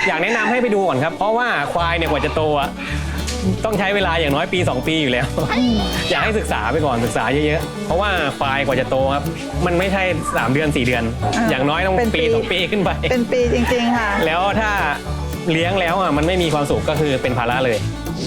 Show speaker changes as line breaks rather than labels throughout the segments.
อยากแนะนำให้ไปดูก่อนครับเพราะว่าควายเนี่ยกว่าจะโตอะต้องใช้เวลาอย่างน้อยปี2 ปีอยู่แล้ว อยากให้ศึกษาไปก่อนศึกษาเยอะๆเพราะว่าควายกว่าจะโตครับมันไม่ใช่3 เดือน 4 เดือน อย่างน้อยต้องปี2 ปีขึ้นไป
เป็นปีจริงๆค่ะ
แล้วถ้าเลี้ยงแล้วอ่ะมันไม่มีความสุขก็คือเป็นภาระเลย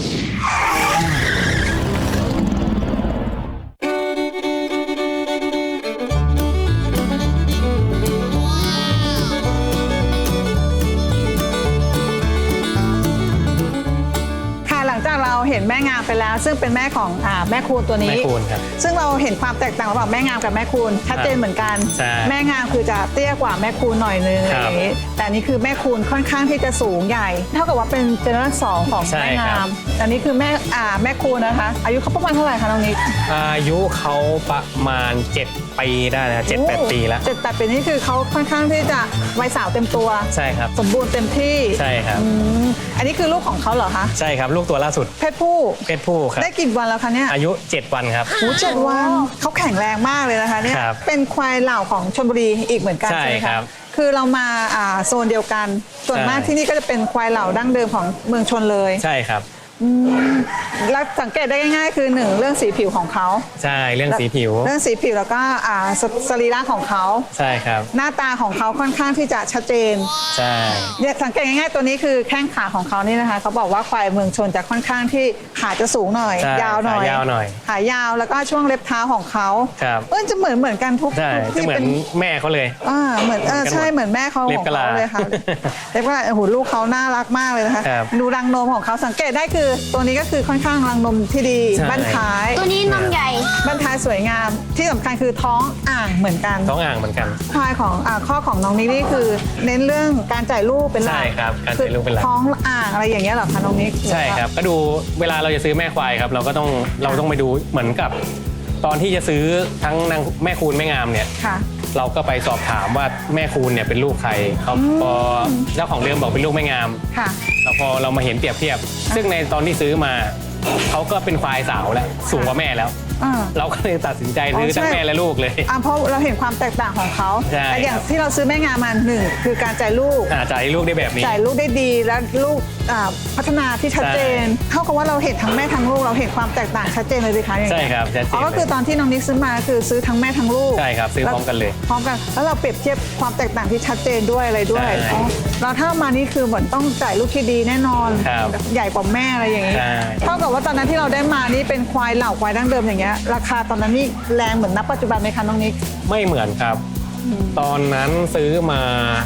เราเห็นแม่งามไปแล้วซึ่งเป็นแม่ของแม่คูณตัวนี้
แม่คูณครับ
ซึ่งเราเห็นความแตกต่างระหว่างแม่งามกับแม่คูณชัดเจนเหมือนกันแม่งามคือจะเตี้ยกว่าแม่คูณหน่อยนึงอะไรอย่างนี้แต่นี่คือแม่คูณค่อนข้างที่จะสูงใหญ่เท่ากับว่าเป็นเจเนอเรชั่น2ของแม่งามอันนี้คือแม่คูณนะคะอายุเขาประมาณเท่าไหร่คะน้องนิก
อายุเขาประมาณ7 ปีได้แล้ว7-8 ปีแล้ว
7-8 ปีนี่คือเขาค่อนข้างที่จะวัยสาวเต็มตัว
ใช่ครับ
สมบูรณ์เต็มที่
ใช่ครับ
อันนี้คือลูกของเขาเหรอคะ
ใช่ครับลูกตัวล่าสุด
เพศผู้
ครับ
ได้กี่วันแล้วคะเนี่ย
อายุ7 วันครับ
7 วันเขาแข็งแรงมากเลยนะคะเนี่ยเป็นควายเหล่าของชลบุรีอีกเหมือนกันใช่ไหมครับคือเรามาโซนเดียวกันส่วนมากที่นี่ก็จะเป็นควายเหล่าดั้งเดิมของเมืองชนเลย
ใช่ครับ
แล้วสังเกตได้ง่ายๆคือ1เรื่องสีผิวของเขา
ใช่เรื่องสีผิว
แล้วก็สรีระของเขา
ใช่ครับ
หน้าตาของเขาค่อนข้างที่จะชัดเจน
ใช่
เนี่ยสังเกตง่ายๆตัวนี้คือแข้งขาของเขานี่นะคะเขาบอกว่าควายเมืองชนจะค่อนข้างที่ขาจะสูงหน่อยยาวหน่อยขายาวแล้วก็ช่วงเล็บเท้าของเขาจะเหมือนกันทุก
ที่เหมือนแม่เขาเลย
เหมือนใช่เหมือนแม่เขาของเขาเลยค่ะเล็บกะลาลูกเขาน่ารักมากเลยนะคะดูรังนมของเขาสังเกตได้คือตัวนี้ก็คือค่อนข้างรังนมที่ดีบั้นท้าย
ตัวนี้นมใหญ่
บั้นท้ายสวยงามที่สำคัญคือท้องอ่างเหมือนกัน
ท้องอ่างเหมือนกัน
ควายของข้อของน้องนิกนี่คือเน้นเรื่องการจ่ายลูกเป็นหลัก
ใช่ครับการจ่ายลูกเป็นหลัก
ท้องอ่างอะไรอย่างเงี้ยหรอคะน้องนิก
ใช่ครับก็ดูเวลาเราจะซื้อแม่ควายครับเราต้องไปดูเหมือนกับตอนที่จะซื้อทั้งนางแม่คูณแม่งามเนี่ยเราก็ไปสอบถามว่าแม่คูณเนี่ยเป็นลูกใครเขาพอเจ้าของเดิมบอกเป็นลูกแม่งามแล้วพอเรามาเห็นเปรียบเทียบซึ่งในตอนที่ซื้อมาเขาก็เป็นควายสาวแล้วสูงกว่าแม่แล้วเราก็เลยตัดสินใจซื้อทั้งแม่และลูกเลย
เพราะเราเห็นความแตกต่างของเขาแต่อย่างที่เราซื้อแม่งามมา1คือการจ่ายลูก
ได้แบบนี้
จ่ายลูกได้ดีและลูกพัฒนาที่ชัดเจนเท่ากับว่าเราเห็นทั้งแม่ทั้งลูกเราเห็นความแตกต่างชัดเจนเลยสิคะอย่าง
นี้ใช่ครับชัดเจน
ก็คือตอนที่น้องนิกซื้อมาคือซื้อทั้งแม่ทั้งลูก
ใช่ครับซื้อพร้อมกันเลย
พร้อมกันแล้วเราเปรียบเทียบความแตกต่างที่ชัดเจนด้วยอะไรด้วยเราถ้ามานี่คือเหมือนต้องจ่ายลูกที่ดีแน่นอนใหญ่กว่าแม่อะไรอย่างนี้เท่ากับว่าตอนนั้นที่เราได้มานี่เป็นควายเหล่าควายดั้งเดิมอย่างเงี้ยราคาตอนนั้นนี่แรงเหมือนณปัจจุบันไหมคะน้องนิก
ไม่เหมือนครับตอนนั้นซื้อมา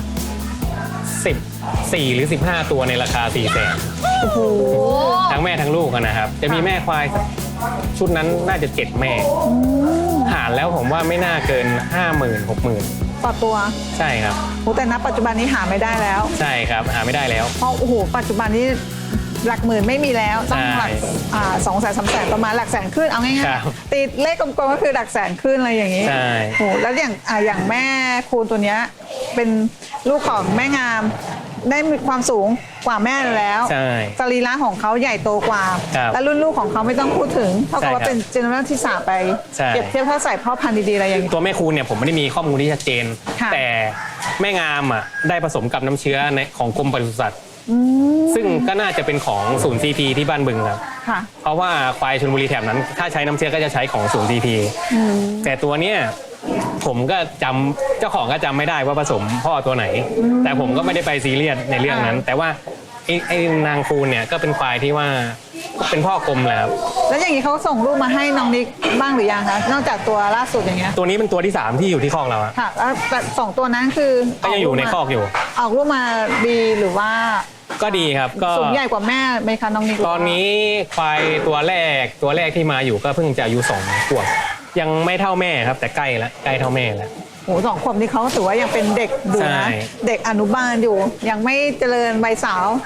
14 หรือ 15 ตัวในราคา400,000
โอ้โห
ทั้งแม่ทั้งลูกนะครับจะมีแม่ควายชุดนั้นน่าจะ7 แม่หารแล้วผมว่าไม่น่าเกิน 50,000 60,000
ต่อตัว
ใช่ครับ
แต่ณปัจจุบันนี้หาไม่ได้แล้ว
ใช่ครับหาไม่ได้แล้ว
เพราะโอ้โหปัจจุบันนี้หลักหมื่นไม่มีแล้วต้องหลัก200,000-300,000ประมาณหลักแสนขึ้นเอาง่ายๆติดเลขกลมๆก็คือหลักแสนขึ้นอะไรอย่างนี้โอ้แล้วอย่างแม่คูณตัวนี้เป็นลูกของแม่งามได้มีความสูงกว่าแม่แล้วสรีระของเขาใหญ่โตกว่าและรุ่นลูกของเขาไม่ต้องพูดถึงเท่ากับว่าเป็นเจเนอเรชั่นที่3ไปเปรียบเทียบถ้าใส่พ่อพันธุ์ดีๆอะไรอย่างนี้
ตัวแม่คูณเนี่ยผมไม่ได้มีข้อมูลที่ชัดเจนแต่แม่งามได้ผสมกับน้ำเชื้อของกรมปศุสัตว์ซึ่งก็น่าจะเป็นของศูนย์ CP ที่บ้านบึงครับเพราะว่าควายชลบุรีแถบนั้นถ้าใช้น้ำเชื้อก็จะใช้ของศูนย์ CP แต่ตัวเนี้ยผมก็เจ้าของก็จำไม่ได้ว่าผสมพ่อตัวไหนแต่ผมก็ไม่ได้ไปซีเรียสในเรื่องนั้นแต่ว่าไอ้นางคูณเนี่ยก็เป็นควายที่ว่าเป็นพ่อกลมแหละครับ
แล้วอย่างนี้เขาส่งลูกมาให้น้องนิกบ้างหรือยังคะนอกจากตัวล่าสุดอย่างเงี้ย
ตัวนี้เป็นตัวที่3ที่อยู่ที่คอกเรา
ค่ะแล้ว2ตัวนั้นคือ
ก็ยังอยู่ในคอกอยู่
ออกลูกมาดีหรือว่า
ก็ดีครับก็
สูงใหญ่กว่าแม่ไหมคะน้องนิก
ตอนนี้ควายตัวแรกที่มาอยู่ก็เพิ่งจะอายุ2 ขวบยังไม่เท่าแม่ครับแต่ใกล้เท่าแม่แล้ว
โอ้2 ขวบนี่เขาถือว่ายังเป็นเด็กอยู่นะเด็กอนุบาลอยู่ยังไม่เจริญวัยสาวโห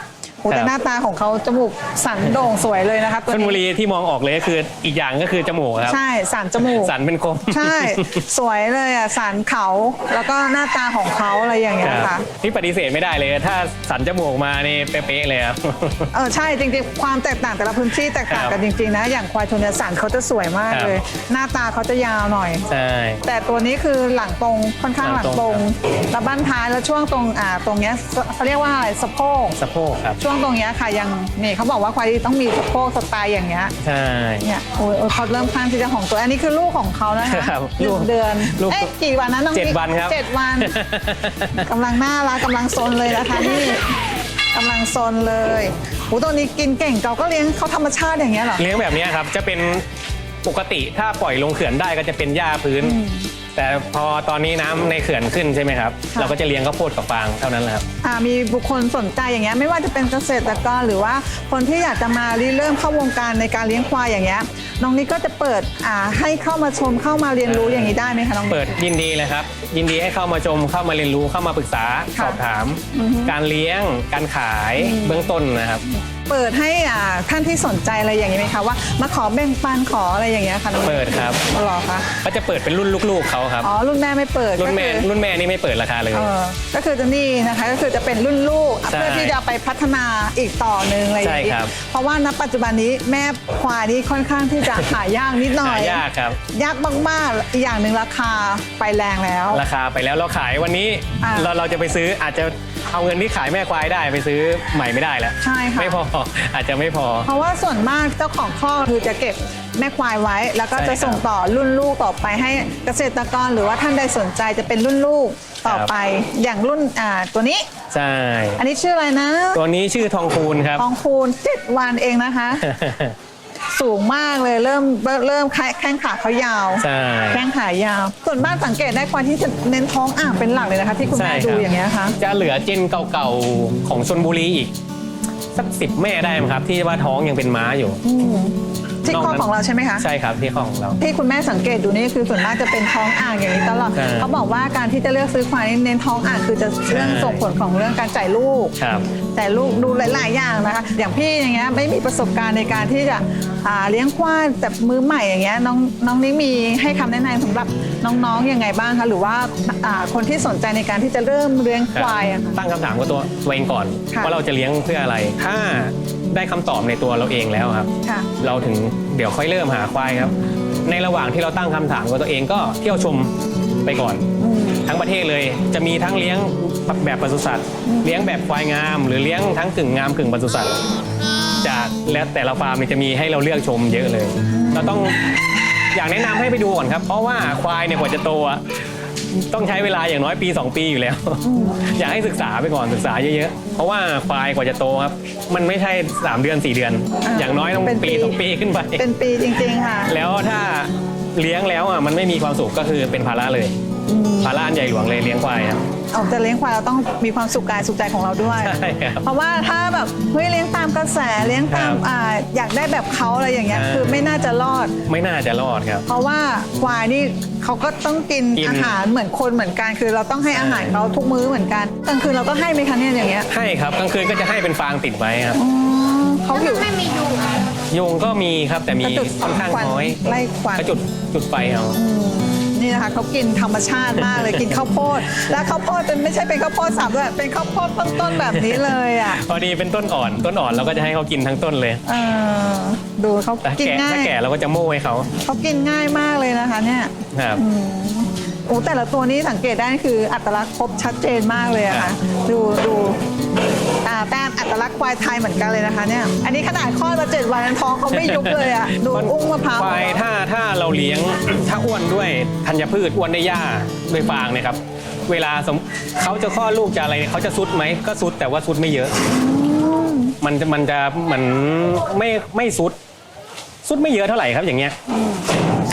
โอ้แต่หน้าตาของเขาจมูกสันโด่งสวยเลยนะคะตัว
ชลบุ
นี้
รีที่มองออกเลยก็คืออีกอย่างก็คือจมูกครับ
ใช่สันจมูก
สันเป็นคม
ใช่ สวยเลยอ่ะสันเขาแล้วก็หน้าตาของเขาอะไรอย่างเงี้ย
ครั
ค่ะ
บที่ปฏิเสธไม่ได้เลย ถ้าสันจมูกมานี่เป๊ะๆเลยครับ
ใช่จริงๆความแตกต่างแต่ละพื้นที่แตกต่างกันจริงๆนะอย่างควายชนเนสันเขาจะสวยมาก
ครับ
เลย หน้าตาเขาจะยาวหน่อย
ใช่
แต่ตัวนี้คือหลังตรงค่อนข้างห
หลั
ลัง
ง
ต
ต
ร
รง ง
แล้วบั้นท้ายแล้วช่วงตรงตรงเนี้ยเขาเรียกว่าอะไรสะโพก
สะโพกครับ
ช่วงตรงเนี้ยค่ะยังนี่เขาบอกว่าควายต้องมีสะโพกสไตล์อย่างเงี้ย
ใช่
เนี่ยโอ้ยเขาเริ่มข้างที่จะของตัวอันนี้คือลูกของเขานะคะ
ครับ
หนึ่งเดือน
ลูก
เอ๊ะกี่วันนะน้อง
7
บิ๊ก
วันครับ
7 วัน กำลังน่ารักกำลังซนเลยนะคะนี่กำลังซนเลยโอ้ตัวนี้กินเก่งเราก็เลี้ยงเขาธรรมชาติอย่างเงี้ยเหรอ
เลี้ยงแบบนี้ครับจะเป็นปกติถ้าปล่อยลงเขื่อนได้ก็จะเป็นหญ้าพื้น แต่พอตอนนี้น้ำในเขื่อนขึ้นใช่ไหมครับ
ค่ะ
เราก็จะเลี้ยงข้าวโพดกับฟางเท่านั้นแหละครับ
มีบุคคลสนใจอย่างเงี้ยไม่ว่าจะเป็นเกษตรกรหรือว่าคนที่อยากจะมาริเริ่มเข้าวงการในการเลี้ยงควายอย่างเงี้ยน้องนิกก็จะเปิดให้เข้ามาชมเข้ามาเรียนรู้อย่างนี้ได้ไหมคะน้องนิก
เปิดยินดีเลยครับ ยินดีให้เข้ามาชมเข้ามาเรียนรู้เข้ามาปรึกษา
ค่ะ
สอบถาม การเลี้ยงการขายเบื้องต้นนะครับ
เปิดให้ท่านที่สนใจอะไรอย่างนี้ไหมคะว่ามาขอแบ่งปันขออะไรอย่างเงี้ยค่ะน้องนิก
เปิดครับ
หรอคะ
ก็จะเปิดเป็นรุ่นลูกๆเขาครับ
อ๋อรุ่นแม่ไม่เปิด
รุ่นแม่
ก็คือ
รุ่นแม่นี่ไม่เปิดราคาเลย
ก็คือจะนี่นะคะก็คือจะเป็นรุ่นลูก
ใช่
เพื่อที่จะไปพัฒนาอีกต่อหนึ่งอะไรอย่าง
ใช่
นี้
ครับ
เพราะว่าณปัจจุบันนี้แม่ควายนี่ค่อนข้างที่จะหายากนิดหน่อย
หายากครับ
ยากมากๆอีกอย่างหนึ่งราคาไปแรงแล้ว
ราคาไปแล้วเราขายวันนี้
อ่า
เราจะไปซื้ออาจจะเอาเงินที่ขายแม่ควายได้ไปซื้อใหม่ไม่ได้แล้ว
ใช่ค่ะ
ไม่พออาจจะไม่พอ
เพราะว่าส่วนมากเจ้าของข้อกคือจะเก็บแม่ควายไว้ แล้วก็
ใช่
จะส่งต่อรุ่นลูกต่อไปให้เกษตรกรหรือว่าท่านใดสนใจจะเป็นรุ่นลูกต่อไปอย่างรุ่นตัวนี้
ใช่
อันนี้ชื่ออะไรนะ
ตัวนี้ชื่อทองคูณครับ
ทองคูณ7 วันเองนะคะ สูงมากเลยเริ่มแข้งขาเขายาว
ใช่
แข้งขายาว ส่วนบ้านสังเกตได้ควายที่จะเน้นท้องอ่างเป็นหลักเลยนะคะ ที่คุณแม่
ใช่
ดู
ครับ
อย่างเงี้ยค่ะ
จะเหลือเจนเก่าๆของชนบุรีอีกสัก10 แม่ได้มั้งครับ ที่ว่าท้องยังเป็นม้าอยู่
ที่ข้อของเราใช่ไหมคะ
ใช่ครับที่ข้อของเรา
ที่คุณแม่สังเกตดูนี่คือส่วนมากจะเป็นท้องอ่างอย่างนี้ตลอด
ใช่
เขาบอกว่าการที่จะเลือกซื้อควายนี่เน้นท้องอ่างคือจะเรื่อง
ใช่
ส่งผลของเรื่องการจ่ายลูก
ครับ
แต่ลูกดูหลาย ๆ อย่างนะคะ อย่างพี่อย่างเงี้ยไม่มีประสบการณ์ในการที่จะเลี้ยงควายแต่มือใหม่อย่างเงี้ยน้องนี่มีให้คำแนะนำสำหรับน้องๆยังไงบ้างคะหรือว่าคนที่สนใจในการที่จะเริ่มเลี้ยงควายอะค่ะ
ตั้งคำถามกับตัวเองก่อน
ค่ะ
ว่าเราจะเลี้ยงเพื่ออะไร ถ้าได้คำตอบในตัวเราเองแล้วครับ
ค่ะ
เราถึงเดี๋ยวค่อยเริ่มหาควายครับ ในระหว่างที่เราตั้งคำถามกับตัวเองก็เที่ยวชมไปก่อน ทั้งประเทศเลยจะมีทั้งเลี้ยงแบบปศุสัตว์ เลี้ยงแบบควายงาม หรือเลี้ยงทั้งกึ่งงามกึ่งปศุสัตว์จากและแต่ละฟาร์มเนี่ยจะมีให้เราเลือกชมเยอะเลย เราต้องอยากแนะนำให้ไปดูก่อนครับ เพราะว่าควายเนี่ยกว่าจะโตอะต้องใช้เวลาอย่างน้อยปี 2 ปีอยู่แล้ว อยากให้ศึกษาไปก่อนศึกษาเยอะๆเพราะว่าควายกว่าจะโตครับมันไม่ใช่3 เดือน 4 เดือน อย่างน้อยต้อง
เป็นปี
ปี 2 ปีขึ้นไป
เป็นปีจริง ๆ ค่ะ
แล้วถ้าเลี้ยงแล้วอ่ะมันไม่มีความสุขก็คือเป็นภาระเลยภาระอันใหญ่หลวงเลยเลี้ยงควายครับ
ออกจะเลี้ยงควายเราต้องมีความสุขกายสุขใจของเราด้วย
ใช่ครับ
เพราะว่าถ้าแบบเฮ้ยเลี้ยงตามกระแสเลี้ยงตาม
ครับ
อยากได้แบบเขาอะไรอย่างเงี้ย
ใช่
คือไม่น่าจะรอด
ไม่น่าจะรอดครับ
เพราะว่าควายนี่เขาก็ต้องกิน
กิน
อาหารเหมือนคนเหมือนกัน คือเราต้องให้อาหารเขาทุกมื้อเหมือนกันกลางคืนเราก็ให้ไหมคะเนี่ยอย่างเงี้ย
ให้ครับกลางคืนก็จะให้เป็นฟางติดไว้ครับ
เขาหิว
ไม่มียุง
ยุงก็มีครับแต่มี
กระจุด
ค่อนข้าง
ควัน
น้อย
ไล่ควัน
ก็จุดไฟเอา
นี่นะคะเขากินธรรมชาติมากเลย กินข้าวโพดและข้าวโพดเป็นไม่ใช่เป็นข้าวโพดสับด้วยเป็นข้าวโพดต้นๆแบบนี้เลยอ่ะ
พอดีเป็นต้นอ่อนเราก็จะให้เขากินทั้งต้นเลย
เออดูเขา
แต่
กิน
แก่
ง่า
ถ้าย แก่เราก็จะโม่ให้เขา
เขากินง่ายมากเลยนะคะเนี่ย
ครับ
โอ้แต่ละตัวนี้สังเกตได้คืออัตลักษณ์ครบชัดเจนมากเลยอะค่ะดูแต้มอัตลักษณ์ควายไทยเหมือนกันเลยนะคะเนี่ยอันนี้ขนาดคลอดมา7 วันท้องเขาไม่ยุบเลยอะดูอุ้งมะพร้าว
ควายถ้าเราเลี้ยง ถ้าอ้วนด้วยธัญพืชอ้วนด้วยหญ้าด้วยฟางเนี่ยครับเวลาเขาจะคลอดลูกจะอะไรเนี่ยเขาจะซุดไหมก็ซุดแต่ว่าซุดไม่เยอะ มันจะไม่ซุดไม่เยอะเท่าไหร่ครับอย่างเงี้ย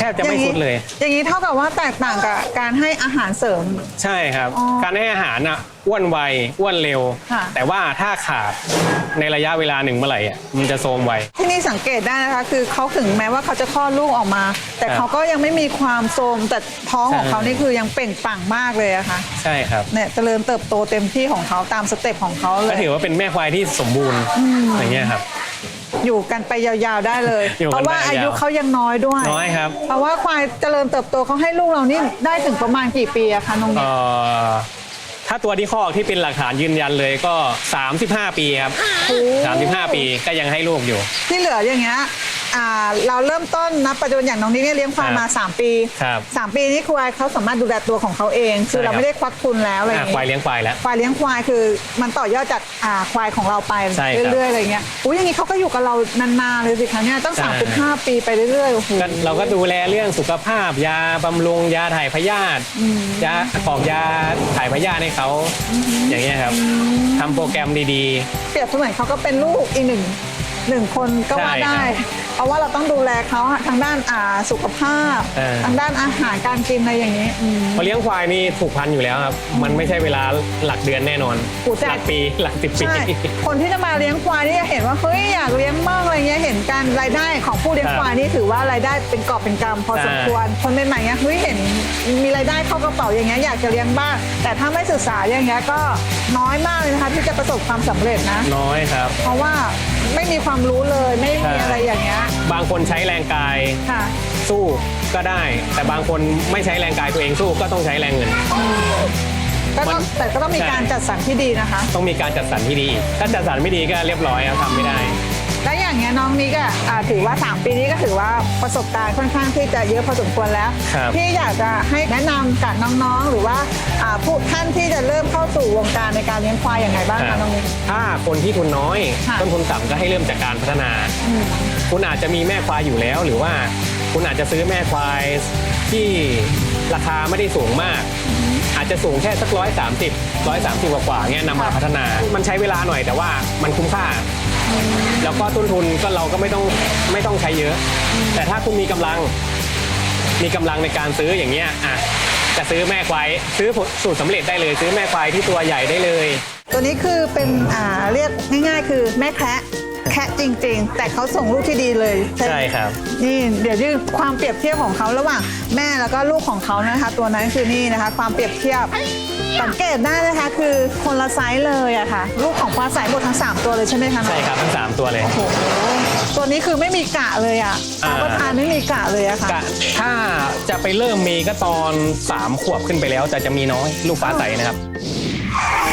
ทบจะไม่สุดเลย
อย่างนี้เท่ากับว่าแตกต่างกับการให้อาหารเสริม
ใช่ครับ
อ๋อ
การให้อาหารอ่ะอ้วนไวอ้วนเร็ว
ค่ะ
แต่ว่าถ้าขาดในระยะเวลาหนึ่งเมื่อไหร่อ่ะมันจะโทรมไว
ที่นี่สังเกตได้นะคะคือเขาถึงแม้ว่าเขาจะคลอดลูกออกมา แต่
ครับ
เขาก็ยังไม่มีความโทรมแต่ท้องของ
ใช่
เขานี่คือยังเปล่งปลั่งมากเลยอะค่ะ
ใช่ครับ
เนี่ยเจริญเติบโตเต็มที่ของเขาตามสเต็ปของเขาเล
ก็
ย
ถือว่าเป็นแม่ควายที่สมบูรณ์อย่างเงี้ยครับ
อยู่กันไปยาวๆได้เลย
อยู่
เพ
กัน
ราะว่า
ไปยาว
อายุเขายังน้อยด้วย
น้อยครับ
เพราะว่าควายเจริญเติบโตเขาให้ลูกเรานี่ได้ถึงประมาณกี่ปีอะคะน้องนิด
ถ้าตัวที่คอกที่เป็นหลักฐานยืนยันเลยก็ 35 ปีครับ 35 ปีก็ยังให้ลูกอยู่
ที่เหลืออย่างเงี้ยเราเริ่มต้นนับปัจจุบันอย่างน้องนิดเนี่ยเลี้ยงควายมา 3 ปี
ครับ
3 ปีนี้ควายเขาสามารถดูแลตัวของเขาเองคือเรา
ใช่ครับ
ไม่ได้ควักทุนแล้วอะไรอย่าง
ควาย
เงี้ย
เลี้ยงควายแล้ว
ควายเลี้ยงควายคือมันต่อยอดจากควายของเราไป
ใช่ครับ
เรื่อยๆอะไรเงี้ยอุ้ยอย่างนี้เขาก็อยู่กับเรานานๆเลยสิคะเนี่ยตั้ง
ใช่
35 ปีไปเรื่อยๆโอ้โห
ก็เราก็ดูแลเรื่องสุขภาพยาบำรุงยาถ่ายพยาธิยาออกยาถ่ายพยาธิให้เขาอย่างเงี้ยครับทำโปรแกรมดี
เปรียบเสมือนเขาก็เป็นลูกอีกหนึ่งคนก็ว่า
ใช่
ได้
ครับ
เพราะว่าเราต้องดูแลเขาทางด้านสุขภาพ ทางด้านอาหารการกินอะไรอย่างนี้
ๆพอเลี้ยงควายนี่ผูกพันอยู่แล้วครับ มันไม่ใช่เวลาหลักเดือนแน่นอน
โอ้แต่
หลักปีหลัก10 ปี
ใช่ คนที่จะมาเลี้ยงควายนี่จะเห็นว่าเฮ้ยอยากเลี้ยงมากอะไรเงี้ยเห็นการรายได้ของผู้เลี้ยง
ครับ
ควายนี่ถือว่ารายได้เป็นกอบเป็นกำพอสมควรคนใหม่ๆเงี้ยเฮ้ยเห็นมีรายได้เข้ากระเป๋าอย่างเงี้ยอยากจะเลี้ยงบ้างแต่ถ้าไม่ศึกษาอย่างเงี้ยก็น้อยมากเลยนะคะที่จะประสบความสำเร็จนะ
น้อยครับ
เพราะว่าไม่มีความรู้เลยไม่มี
ใช่
อะไรอย่างเงี้ย
บางคนใช้แรงกาย
ค่ะ
สู้ก็ได้ แต่บางคนไม่ใช้แรงกายตัวเองสู้ก็ต้องใช้แรงเงิน
แต่ก็ต้องมี
ใช่
การจัดสรรที่ดีนะคะ
ต้องมีการจัดสรรที่ดี ถ้าจัดสรรไม่ดีก็เรียบร้อยครับทำไม่ได้
และอย่างเงี้ยน้องนิกถือว่า 3 ปีนี้ก็ถือว่าประสบการณ์ค่อนข้างที่จะเยอะพอสมควรแล้ว
ครับ
พี่อยากจะให้แนะนำกับน้องๆ หรือว่าผู้ท่านที่จะเริ่มเข้าสู่วงการในการเลี้ยงควายอย่างไรบ้าง
ครั
คะ
บ
น้องนิก
ถ้าคนที่ทุนน้อย
ค่ะ
ต้นทุนต่ำก็ให้เริ่มจากการพัฒนา คุณอาจจะมีแม่ควายอยู่แล้ว หรือว่าคุณอาจจะซื้อแม่ควายที่ราคาไม่ได้สูงมาก อาจจะสูงแค่สัก130กว่าๆเงี้ยนำมาพัฒนา มันใช้เวลาหน่อยแต่ว่ามันคุ้มค่า แล้วก็ต้นทุนก็เราก็ไม่ต้องใช้เยอะ แต่ถ้าคุณมีกำลังในการซื้ออย่างเงี้ยจะซื้อแม่ควายซื้อสูตรสำเร็จได้เลย ซื้อแม่ควายที่ตัวใหญ่ได้เลย
ตัวนี้คือเป็นเรียกง่ายๆ คือแม่แคะจริงๆ แต่เขาส่งลูกที่ดีเลย
ใช่ครับ
นี่เดี๋ยวยืดความเปรียบเทียบของเขาระหว่างแม่แล้วก็ลูกของเขานะคะ ตัวนั้นคือนี่นะคะ ความเปรียบเทียบสังเกตได้นะคะคือคนละไซส์เลยอะค่ะ ลูกของฟ้าใสหมดทั้ง 3 ตัวเลยใช่ไหมคะ
ใช่ครับทั้ง3ตัวเลย
โอ้โหตัวนี้คือไม่มีกะเลยอะรับประทานไม่มีกะเลยอะค่ะ
ถ้าจะไปเริ่มมีก็ตอน3 ขวบขึ้นไปแล้วแต่จะมีน้อยลูกฟ้าใสนะครับ